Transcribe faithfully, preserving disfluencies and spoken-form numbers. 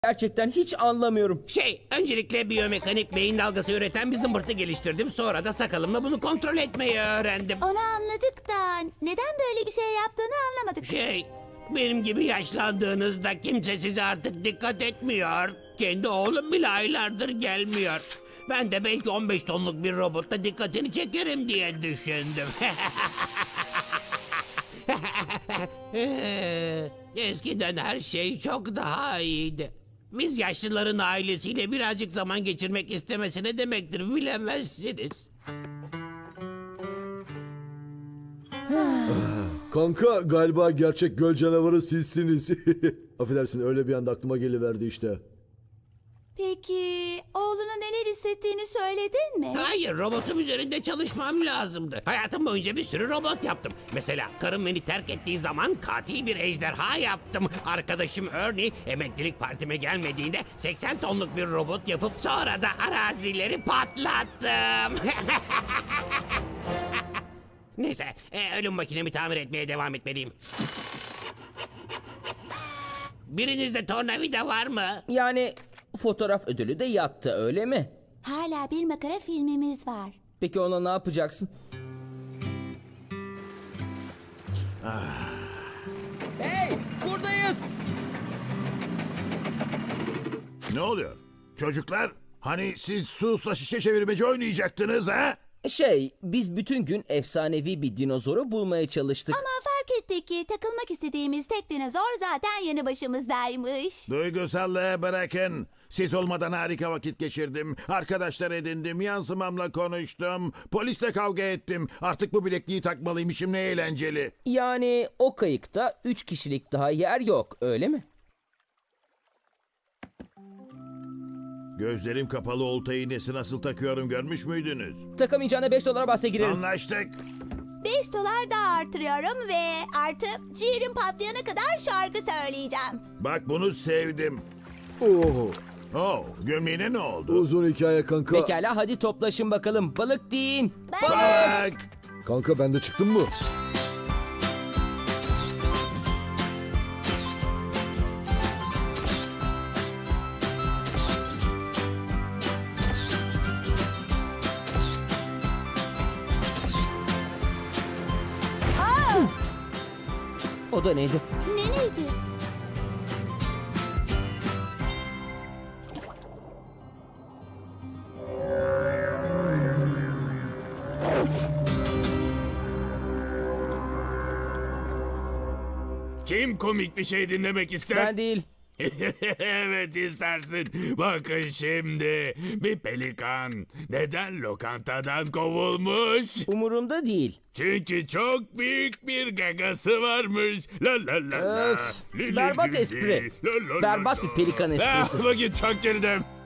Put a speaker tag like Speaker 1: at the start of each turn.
Speaker 1: Gerçekten hiç anlamıyorum.
Speaker 2: Şey, öncelikle biyomekanik beyin dalgası üreten bir zımbırtı geliştirdim. Sonra da sakalımla bunu kontrol etmeyi öğrendim.
Speaker 3: Onu anladık da neden böyle bir şey yaptığını anlamadık.
Speaker 2: Şey, benim gibi yaşlandığınızda kimse size artık dikkat etmiyor. Kendi oğlum bile aylardır gelmiyor. Ben de belki on beş tonluk bir robotla dikkatini çekerim diye düşündüm. Eskiden her şey çok daha iyiydi. Biz yaşlıların ailesiyle birazcık zaman geçirmek istemesi ne demektir bilemezsiniz.
Speaker 4: Kanka galiba gerçek göl canavarı sizsiniz. Affedersin öyle bir anda aklıma geliverdi işte.
Speaker 3: Peki oğluna neler hissettiğini söyledin mi?
Speaker 2: Hayır, robotum üzerinde çalışmam lazımdı. Hayatım boyunca bir sürü robot yaptım. Mesela karım beni terk ettiği zaman katil bir ejderha yaptım. Arkadaşım Ernie emeklilik partime gelmediğinde seksen tonluk bir robot yapıp sonra da arazileri patlattım. Neyse, e, ölüm makinemi tamir etmeye devam etmeliyim. Birinizde tornavida var mı?
Speaker 1: Yani fotoğraf ödülü de yattı, öyle mi?
Speaker 3: Hala bir makara filmimiz var.
Speaker 1: Peki ona ne yapacaksın? Hey, buradayız.
Speaker 5: Ne oluyor? Çocuklar, hani siz susla şişe çevirmeci oynayacaktınız ha?
Speaker 1: Şey, biz bütün gün efsanevi bir dinozoru bulmaya çalıştık.
Speaker 3: Ama fark ettik ki takılmak istediğimiz tek dinozor zaten yanı başımızdaymış.
Speaker 5: Duygusallığı bırakın. Siz olmadan harika vakit geçirdim. Arkadaşlar edindim, yansımamla konuştum. Polisle kavga ettim. Artık bu bilekliği takmalıymışım, ne eğlenceli.
Speaker 1: Yani o kayıkta üç kişilik daha yer yok, öyle mi?
Speaker 5: Gözlerim kapalı olta iğnesi nasıl takıyorum görmüş müydünüz?
Speaker 1: Takamayacağına beş dolara bahse girelim.
Speaker 5: Anlaştık.
Speaker 3: beş dolar daha artırıyorum ve artı ciğerim patlayana kadar şarkı söyleyeceğim.
Speaker 5: Bak bunu sevdim.
Speaker 4: Oo,
Speaker 5: Oh, gömleğine ne oldu?
Speaker 4: uzun hikaye kanka.
Speaker 1: Pekala, hadi toplaşın bakalım. Balık deyin.
Speaker 5: Bak!
Speaker 4: Kanka ben de çıktım mı?
Speaker 1: O da neydi?
Speaker 3: Ne neydi?
Speaker 6: Kim komik bir şey dinlemek ister?
Speaker 1: Ben değil.
Speaker 6: Evet istersin. Bakın şimdi. Bir pelikan neden lokantadan kovulmuş?
Speaker 1: Umurumda değil.
Speaker 6: Çünkü çok büyük bir gagası varmış. La la la la.
Speaker 1: Öf,
Speaker 6: Li li
Speaker 1: berbat
Speaker 6: li li.
Speaker 1: espri.
Speaker 6: La la la
Speaker 1: Berbat
Speaker 6: la.
Speaker 1: bir pelikan esprisi.
Speaker 6: Ah, vakit çok girdim.